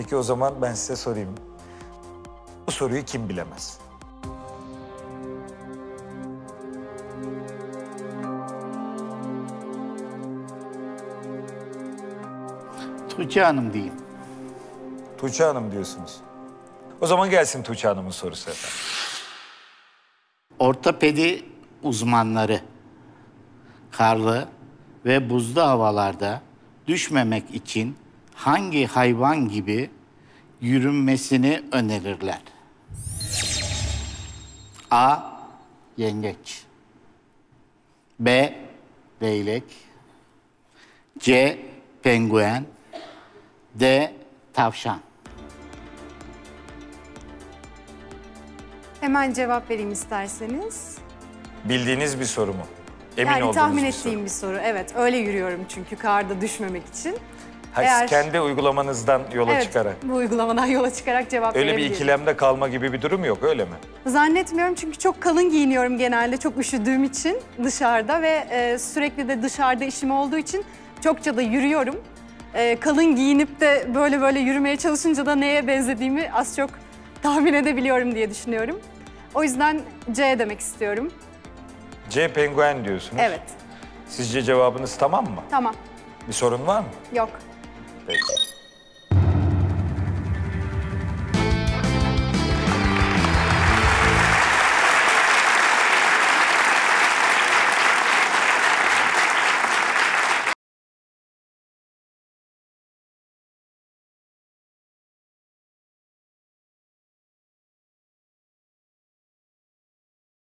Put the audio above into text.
Peki o zaman ben size sorayım. Bu soruyu kim bilemez? Tuğçe Hanım diyeyim. Tuğçe Hanım diyorsunuz. O zaman gelsin Tuğçe Hanım'ın sorusu efendim. Ortopedi uzmanları karlı ve buzlu havalarda düşmemek için hangi hayvan gibi yürünmesini önerirler? A. Yengeç. B. Leylek. C. Penguen. D. Tavşan. Hemen cevap vereyim isterseniz. Bildiğiniz bir soru mu? Emin Yani olduğunuz tahmin bir soru. ettiğim bir soru. Evet, öyle yürüyorum çünkü karda düşmemek için. Hayır, kendi uygulamanızdan yola çıkarak. Bu uygulamadan yola çıkarak cevap Öyle bir verebilirim. ikilemde kalma gibi bir durum yok, öyle mi? Zannetmiyorum çünkü çok kalın giyiniyorum genelde çok üşüdüğüm için dışarıda ve sürekli de dışarıda işim olduğu için çokça da yürüyorum. Kalın giyinip de böyle yürümeye çalışınca da neye benzediğimi az çok tahmin edebiliyorum diye düşünüyorum. O yüzden C demek istiyorum. C penguen diyorsunuz. Evet. Sizce cevabınız tamam mı? Tamam. Bir sorun var mı? Yok. Peki.